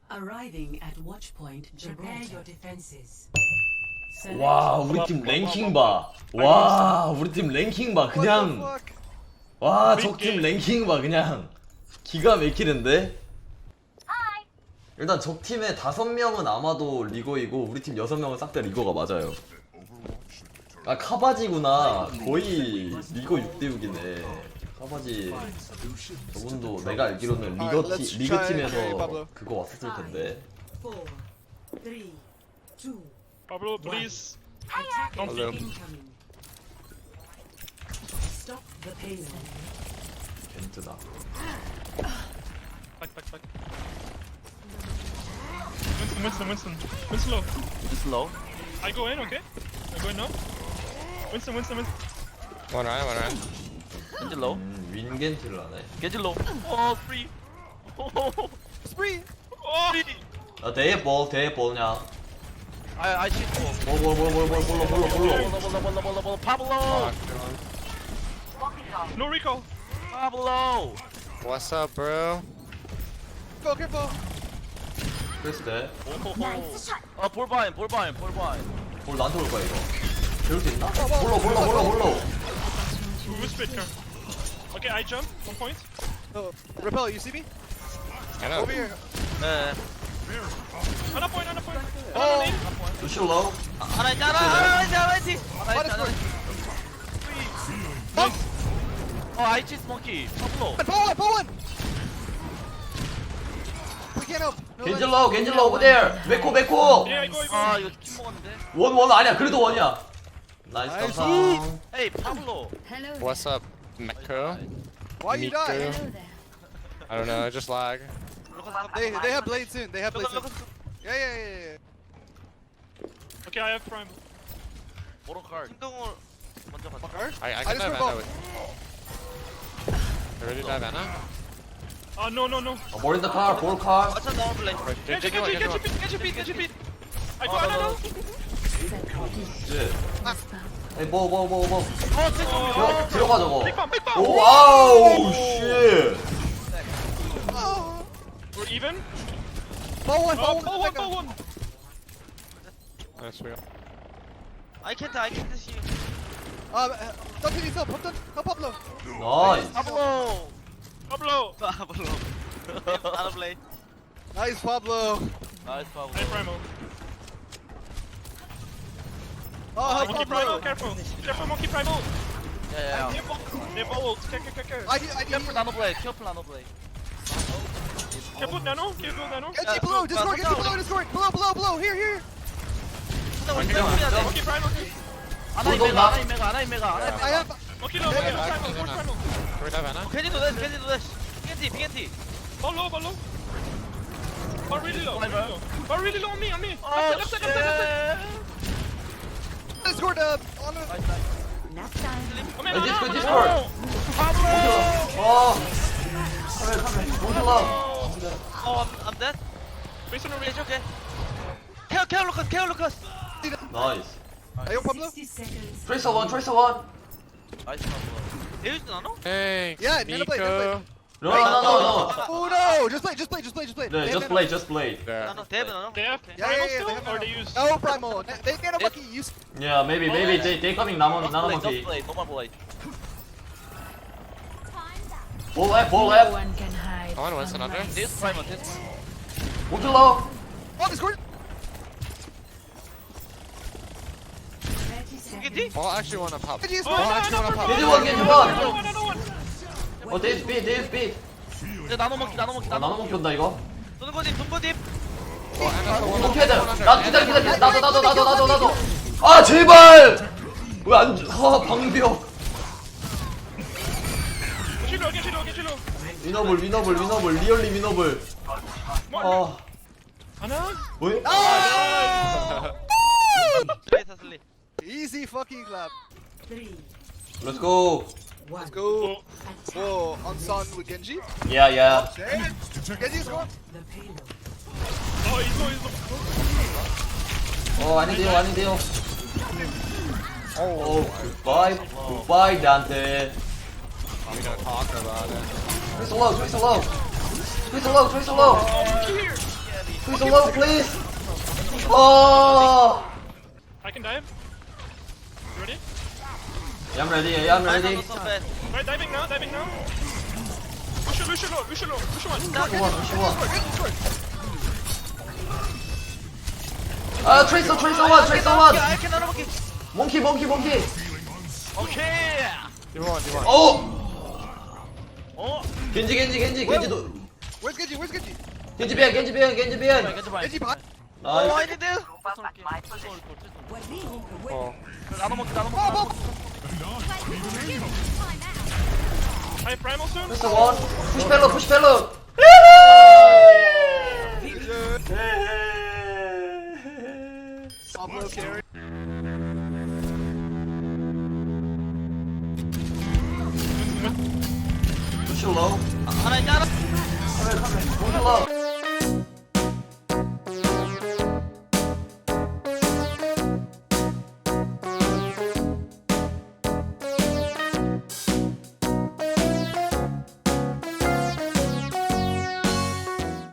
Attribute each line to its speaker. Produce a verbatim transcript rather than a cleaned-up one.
Speaker 1: Arriving at watch point. Prepare your defenses.
Speaker 2: 와 우리 팀 랭킹 봐. 와 우리 팀 랭킹 봐. 그냥 와 적 팀 랭킹 봐. 그냥 기가 막히는데. 일단 적 팀에 다섯 명은 아마도 리거이고 우리 팀 여섯 명은 싹 다 리거가 맞아요. 아 카바지구나. 거의 리거 육 대 육이네. 카바지 저분도 내가 알기로는 리거 팀 리그 팀에서 그거 왔었을 텐데.
Speaker 1: Four, three, two.
Speaker 3: Pablo, please. Don't
Speaker 1: Attackers
Speaker 3: peek.
Speaker 1: incoming. Stop the payload.
Speaker 2: 겐트다.
Speaker 3: Back, back, back. Winston, Winston, Winston. Winston low.
Speaker 4: It's low.
Speaker 3: I go in, okay? I go in now. Winston, Winston, Winston.
Speaker 5: One eye, one eye.
Speaker 4: Get low.
Speaker 2: 음, 윈겐트를 하네.
Speaker 4: Get low. Oh, free. Oh,
Speaker 3: Spree! Oh!
Speaker 2: 아 대회 볼 대회 볼 그냥.
Speaker 4: I I cheat.
Speaker 2: 볼볼볼볼볼 볼로 볼로 볼로.
Speaker 4: Bola, bola, bola, bola, bola. Pablo.
Speaker 3: No recall.
Speaker 4: Pablo.
Speaker 5: What's up, bro?
Speaker 3: Go, careful.
Speaker 2: 그랬을 때.
Speaker 4: 아, 볼 바인, 볼 바인, 볼 바인.
Speaker 2: 볼 나한테 올 거야 이거. 배울 수 있나? 볼로 볼로 볼로 볼로.
Speaker 3: Whisper it, Kurt. Okay, I jump. One point.
Speaker 6: Oh, Repel, you see me?
Speaker 5: I know.
Speaker 6: Over here.
Speaker 4: 네.
Speaker 3: Another point, another point.
Speaker 6: Oh.
Speaker 3: Another name.
Speaker 2: 루시오 로우.
Speaker 4: 하나 있다, 하나, 하나 있다, 하나 있지. 하나
Speaker 6: What
Speaker 4: 있다,
Speaker 6: is
Speaker 4: 하나
Speaker 6: going?
Speaker 4: 있지. 어, I cheat monkey. Pablo.
Speaker 6: Pull one, pull one! We can't help. No
Speaker 2: 겐질
Speaker 6: light.
Speaker 2: 로우 겐질 로우 over there. 메코 메코.
Speaker 3: Yeah, I go, I go.
Speaker 4: 아, 이거 킴 먹었는데.
Speaker 2: 원 원 아니야. 그래도 원이야. 나이스
Speaker 6: 나이스.
Speaker 2: 감사.
Speaker 4: Hey, Pablo.
Speaker 7: Hello.
Speaker 5: What's up, Meko?
Speaker 6: Why you die?
Speaker 5: Miku.
Speaker 7: Hello there.
Speaker 5: I don't know, just lag.
Speaker 6: They they have blade soon. They have
Speaker 4: Look,
Speaker 6: blade
Speaker 4: look,
Speaker 6: soon.
Speaker 4: look.
Speaker 6: Yeah, yeah, yeah, yeah.
Speaker 3: Okay, I have prime.
Speaker 4: 모로 card. 행동을 먼저 가자.
Speaker 6: Fucker.
Speaker 5: I, I
Speaker 6: I
Speaker 5: can
Speaker 6: just
Speaker 5: dive
Speaker 6: broke
Speaker 5: Anna with. I already dive Anna?
Speaker 3: Ah, no, no, no.
Speaker 2: 어, 볼 인더 카, 볼 카.
Speaker 4: 맞춰 넣어 볼래.
Speaker 3: Get you, get you, get you, get you, get you, get you, get you. I go,
Speaker 4: Oh,
Speaker 3: I
Speaker 4: no,
Speaker 3: know.
Speaker 2: 예. 에이 뭐뭐 뭐 뭐.
Speaker 4: 어, 진짜.
Speaker 2: 들어 들어가 저거.
Speaker 3: Big bomb, big bomb.
Speaker 2: 오 와우 씨.
Speaker 6: Oh.
Speaker 3: We're even.
Speaker 6: Pull one,
Speaker 3: Oh,
Speaker 6: pull
Speaker 3: pull
Speaker 6: one.
Speaker 3: one, pull one.
Speaker 5: That's real.
Speaker 4: I can't, I can't see you.
Speaker 6: Uh, don't hit yourself. Help, help Pablo.
Speaker 2: 나이스.
Speaker 4: Pablo.
Speaker 3: Pablo.
Speaker 4: Pablo. 나도 play.
Speaker 6: Nice, Pablo.
Speaker 4: Nice, Pablo.
Speaker 3: I primo.
Speaker 6: Oh, help
Speaker 3: Monkey primo,
Speaker 6: Pablo.
Speaker 3: careful. Careful, monkey primo.
Speaker 4: Yeah, yeah.
Speaker 3: Careful. Careful, ult. Care, care, care.
Speaker 6: I need, I need.
Speaker 4: Careful nano play, careful nano play.
Speaker 3: Careful, nano. Careful, nano.
Speaker 6: Get G below, Discord, get G below, Discord. Below, below, below. Here, here.
Speaker 3: Monkey primo.
Speaker 4: 하나 이메가, 하나 이메가, 하나 이메가, 하나
Speaker 6: I
Speaker 4: 이메가.
Speaker 6: have.
Speaker 3: Monkey low, monkey low, primo,
Speaker 5: Can
Speaker 3: primo.
Speaker 5: we dive Anna?
Speaker 4: 캔디도 돼, 캔디도 돼. 캔디, 캔디.
Speaker 3: Ball low, ball low. Ball really low, really low. Ball really low on me, on me.
Speaker 4: Oh,
Speaker 3: Left side, left side, left side, left side.
Speaker 6: Discord, uh, on a.
Speaker 7: Nap time.
Speaker 3: Come in,
Speaker 2: 야, 디스코
Speaker 3: Nano.
Speaker 2: 디스코. 어. 카메라 카메라. 몬슬라.
Speaker 4: Oh, I'm, I'm dead.
Speaker 3: Based on the
Speaker 4: Okay,
Speaker 3: range.
Speaker 4: okay. 케어, 케어 루카스, 케어 루카스.
Speaker 2: 나이스.
Speaker 6: Hey, yo, Pablo.
Speaker 1: sixty seconds.
Speaker 2: 트레이서 원 트레이서 원.
Speaker 4: 나이스, Pablo. 데이지 나노?
Speaker 5: Hey,
Speaker 6: Yeah, Nana play, Nana
Speaker 5: Miko.
Speaker 2: 노노노노.
Speaker 6: Oh no! Just play, just play, just play, just play.
Speaker 2: 네,
Speaker 6: They have
Speaker 2: just
Speaker 6: nano-
Speaker 2: play, just play.
Speaker 5: There.
Speaker 4: 나노, 데이브 나노?
Speaker 3: They have
Speaker 6: Yeah,
Speaker 3: primo
Speaker 6: yeah, yeah,
Speaker 3: still,
Speaker 6: they have
Speaker 3: or
Speaker 6: nano.
Speaker 3: they use?
Speaker 6: No, Primo. They nano monkey use.
Speaker 2: Yeah, maybe maybe they they coming 나만
Speaker 4: Just
Speaker 2: 나만
Speaker 4: play,
Speaker 2: 모티.
Speaker 4: just play, normal play.
Speaker 2: 볼 앱, 볼
Speaker 7: No
Speaker 2: 앱.
Speaker 7: one can hide.
Speaker 5: Come on, Winston,
Speaker 7: from
Speaker 5: under.
Speaker 7: my
Speaker 4: This prime, this.
Speaker 2: 몬슬라.
Speaker 6: Oh, Discord.
Speaker 1: thirty seconds.
Speaker 4: 캔디?
Speaker 5: Well, I actually want to pop.
Speaker 6: Get you,
Speaker 3: Oh,
Speaker 6: Discord.
Speaker 3: no,
Speaker 5: actually
Speaker 3: no,
Speaker 5: wanna
Speaker 3: no,
Speaker 5: pop.
Speaker 3: no,
Speaker 2: 겐지
Speaker 3: no,
Speaker 2: 원, 겐지
Speaker 3: no,
Speaker 2: 원.
Speaker 3: no, no, no, no.
Speaker 2: 어 데이스 비 데이스 비.
Speaker 4: 이제 나노 먹기, 나노 먹기,
Speaker 2: 아, 나눠
Speaker 4: 나노 먹기.
Speaker 2: 먹기 온다 이거.
Speaker 4: 동거님, 동거님.
Speaker 5: Oh, Anna's the one.
Speaker 2: 이렇게 해야 돼.
Speaker 5: one under.
Speaker 2: 나도 기다려 기다려. 나도 나도 나도 나도 나도. 아 제발. 왜안 주? 아 방벽.
Speaker 3: Get you low, get you low, get you low.
Speaker 2: 위너블 위너블 위너블 리얼리 위너블. 아
Speaker 3: Anna?
Speaker 2: 뭐야?
Speaker 4: 슬레이 타 슬레이.
Speaker 6: Easy fucking clap.
Speaker 1: Three,
Speaker 2: Let's go.
Speaker 1: one.
Speaker 6: Let's go.
Speaker 3: Oh,
Speaker 6: Whoa, on Sun with Genji.
Speaker 2: Yeah yeah.
Speaker 6: Genji's going.
Speaker 1: The payload.
Speaker 3: oh, he's low, he's low.
Speaker 2: 어 아닌데요 아닌데요. 오 굿바이 굿바이 나한테.
Speaker 5: We don't talk about it.
Speaker 2: 트레이서 로우 트레이서 로우 트레이서 로우 트레이서 로우
Speaker 3: Oh, monkey here.
Speaker 2: Please don't low, please. Oh.
Speaker 3: I can dive. You ready?
Speaker 2: Yeah, I'm ready. Yeah, I'm ready.
Speaker 4: Not so bad.
Speaker 3: Right, diving now, diving now. Lucio, Lucio low, Lucio low, Lucio one.
Speaker 2: Push one, push one. Uh, Tracer, Tracer one, Tracer one.
Speaker 4: I cannot okay.
Speaker 2: Monkey, monkey, monkey.
Speaker 4: Okay.
Speaker 5: 디원 디원
Speaker 2: Oh.
Speaker 4: 어.
Speaker 2: Genji, Genji, Genji, Genji. 도-
Speaker 6: Where's Genji? Where's Genji?
Speaker 2: Genji behind, Genji behind, Genji behind.
Speaker 6: Genji behind.
Speaker 4: 어, I
Speaker 2: Nice.
Speaker 4: need it.
Speaker 5: 어
Speaker 4: 나도 먹기, 나도
Speaker 6: Oh,
Speaker 4: 먹기.
Speaker 6: oh.
Speaker 3: High primal soon.
Speaker 2: Tracer one. Push payload, push payload.